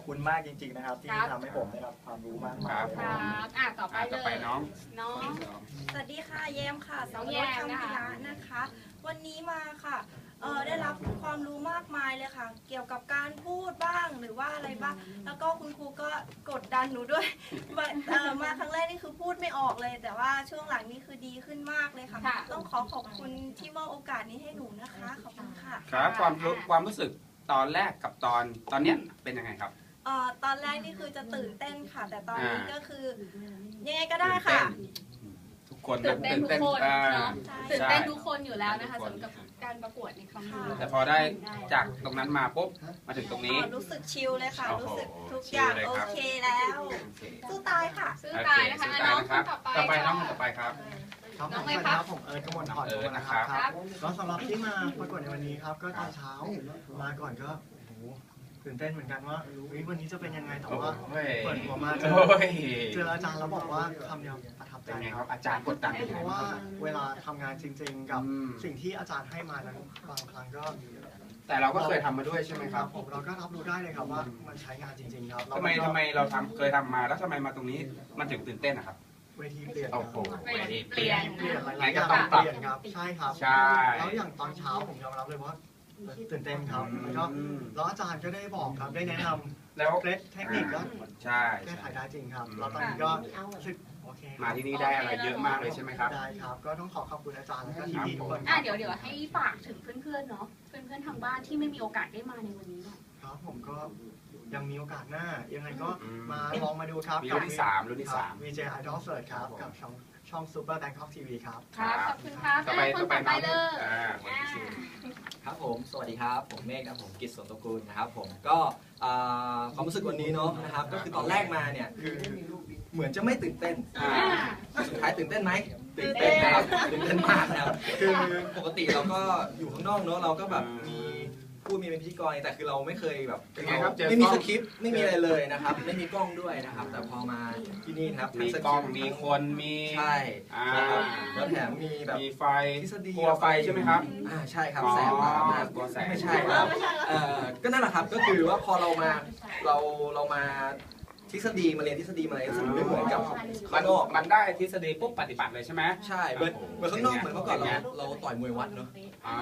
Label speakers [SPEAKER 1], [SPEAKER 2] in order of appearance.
[SPEAKER 1] คุณมากจริงๆนะครับที่ทำให้ผมได้รับความรู้มากมาย
[SPEAKER 2] ครับต่อไปเลย
[SPEAKER 3] น้อง
[SPEAKER 4] สวัสดีค่ะแยมค่ะ
[SPEAKER 2] น้องแยมนะคะ
[SPEAKER 4] นะคะ วันนี้มาค่ะได้รับความรู้มากมายเลยค่ะ เกี่ยวกับการพูดบ้างหรือว่าอะไรบ้างแล้วก็คุณครูก็กดดันหนูด้วย มาครั้งแรกนี่คือพูดไม่ออกเลย แต่ว่าช่วงหลังนี่คือดีขึ้นมากเลยค่ะ ต้องขอบคุณที่มอบโอกาสนี้ให้หนูนะคะขอบคุณค่ะ
[SPEAKER 3] ครับความรู้สึกตอนแรกกับตอนเนี้ยเป็นยังไงครับ
[SPEAKER 4] ตอนแรกนี่คือจะตื่นเต้นค่ะ แต่ตอนนี้ก็คือยังไงก็ได้ค่ะ
[SPEAKER 3] ทุกคน
[SPEAKER 2] ตื่นเต้นทุกคนเนาะ
[SPEAKER 4] ใช่
[SPEAKER 2] ตื่นเต้นทุกคนอยู่แล้วนะคะสำหรับการประกวดในครั้งนี้
[SPEAKER 3] แต่พอได้จากตรงนั้นมาปุ๊บมาถึงตรงนี้
[SPEAKER 4] รู้สึกชิลเลยค่ะ
[SPEAKER 3] โอ้โห
[SPEAKER 4] รู้สึกทุกอย่าง
[SPEAKER 3] ชิลเลย
[SPEAKER 4] โอ
[SPEAKER 3] ครับ
[SPEAKER 4] เคแล้ว
[SPEAKER 3] โอเค
[SPEAKER 4] สู้ตายค่ะ
[SPEAKER 2] ซื้อตายนะคะน้องคนต่อไป
[SPEAKER 3] ต่อไปน้องต่อไปครับ
[SPEAKER 1] ครับ
[SPEAKER 2] น้
[SPEAKER 1] ผ
[SPEAKER 2] อง
[SPEAKER 1] ม
[SPEAKER 2] เลย
[SPEAKER 1] สวัส
[SPEAKER 2] ค
[SPEAKER 1] ดี
[SPEAKER 2] รับ
[SPEAKER 1] ครับผมกมลพร
[SPEAKER 3] นะครับ
[SPEAKER 1] ครับก็สำหรับที่มาประกวดในวันนี้ครับก็ตอนเช้ามาก่อนก็โอ้โหตื่นเต้นเหมือนกันว่าวันนี้จะเป็นยังไงแต่ว่าเปิดหัวมาเจออาจารย์แล้วบอกว่าคำเดียวประทับใจ
[SPEAKER 3] เป็นไง
[SPEAKER 1] ค
[SPEAKER 3] ค
[SPEAKER 1] รั
[SPEAKER 3] รั
[SPEAKER 1] บบ
[SPEAKER 3] อาจารย์กดดันเป็น
[SPEAKER 1] เพ
[SPEAKER 3] ไง
[SPEAKER 1] ราะ
[SPEAKER 3] บ้า
[SPEAKER 1] ว่าง
[SPEAKER 3] ครับ
[SPEAKER 1] เวลาทำงานจริง ๆ กับ
[SPEAKER 3] อืม
[SPEAKER 1] สิ่งที่อาจารย์ให้มานั้นบางครั้งก็
[SPEAKER 3] แต่เราก็เคยทำมาด้วยใช่ไหมครับ
[SPEAKER 1] ผมเราก็รับรู้ได้เลยครับว่ามันใช้งานจริง ๆ ครับ
[SPEAKER 3] ทำไมเราเคยทำมาแล้วทำไมมาตรงนี้มันถึงตื่นเต้นนะครับ
[SPEAKER 1] เวทีเปลี่ยน
[SPEAKER 3] โอ้โห
[SPEAKER 2] เปลี่ยน
[SPEAKER 1] เปลี่ยนหลาย
[SPEAKER 3] งั้
[SPEAKER 1] ๆ
[SPEAKER 3] น
[SPEAKER 1] อ
[SPEAKER 3] ก็
[SPEAKER 1] ย่าง
[SPEAKER 3] ต้องปรับ
[SPEAKER 1] เปลี่ยนครับใช่ครับ
[SPEAKER 3] ใช่
[SPEAKER 1] แล้วอย่างตอนเช้าผมยอมรับเลยว่าตื่นเต้นครับแล้วก็แล้วอาจารย์ก็ได้บอกครับได้แนะนำ
[SPEAKER 3] แล้ว
[SPEAKER 1] เคล็ดเทคนิคก็
[SPEAKER 3] ใช่
[SPEAKER 1] แก้ไขได้จริงครับแล้วตอนนี้ก็รู้สึกโอเคครับ
[SPEAKER 3] มาที่นี่ได้อะไรเยอะมากเลยใช่ไหมครับ
[SPEAKER 1] ได้ครับ ก็ต้องขอบคุณอาจารย์และก็พี่ๆทุกคนค
[SPEAKER 2] อ่ะ
[SPEAKER 1] รับ
[SPEAKER 2] เดี๋ยวให้ฝากถึงเพื่อนๆเนาะเพื่อนๆทางบ้านที่ไม่มีโอกาสได้มาในวันนี้หน่อย
[SPEAKER 1] ครับผมก็ยังมีโอกาสหน้ายังไงก็มาลองมาดูครับ
[SPEAKER 3] มีรุ่นที่สามรุ่นที่สาม
[SPEAKER 1] VJ Idol Search ครับกับช่อง Super Bangkok TV ครับ
[SPEAKER 2] ครับขอบคุณครับ
[SPEAKER 3] ต่อไป
[SPEAKER 2] คนต่อไปเลย
[SPEAKER 3] คนที่สี่
[SPEAKER 5] ครับผมสวัสดีครับผมเมฆครับผมกิตสวนตระกูลนะครับผมก็ความรู้สึกวันนี้เนาะนะครับก็คือตอนแรกมาเนี่ยคือเหมือนจะไม่ตื่นเต้นสุดท้ายตื่นเต้นไหมตื่นเต้นนะครับตื่นเต้นมากนะครับคือปกติเราก็อยู่ข้างนอกเนาะเราก็แบบมีพูดมีเป็นพิธีกรแต่คือเราไม่เคยแบบ
[SPEAKER 3] เป็นไงครับเจอ
[SPEAKER 5] ไม่มี
[SPEAKER 3] กล้
[SPEAKER 5] ส
[SPEAKER 3] อง
[SPEAKER 5] คริปต์ไม่มีอะไรเลยนะครับไม่มีกล้องด้วยนะครับแต่พอมาที่นี่นะครับ
[SPEAKER 3] มี
[SPEAKER 5] ทั้ส
[SPEAKER 3] กล้อง
[SPEAKER 5] ริปต์
[SPEAKER 3] มีคนมี
[SPEAKER 5] ใช่
[SPEAKER 3] อ่า
[SPEAKER 5] นะครับแล้วแถมมีแบบ
[SPEAKER 3] มีไฟ
[SPEAKER 5] ทฤษฎี
[SPEAKER 3] กลัวไฟใช่ไหมครับ
[SPEAKER 5] ใช่ครับ
[SPEAKER 3] อ๋อ
[SPEAKER 5] แสงมาก
[SPEAKER 3] กลัวแสง
[SPEAKER 5] ไม่ใช่ครับก็นั่นแหละครับก็คือว่าพอเรามาเรามาทฤษฎีมาเรียนทฤษฎีมาอะไรทฤษฎีไม่เหมือนกับข้างนอก
[SPEAKER 3] มันได้ทฤษฎีปุ๊บปฏิบัติเลยใช่ไหม
[SPEAKER 5] ใช่เหมือนข้างนอกเหมือนเมื่อก่อนเราต่อยมวยวัดเนาะ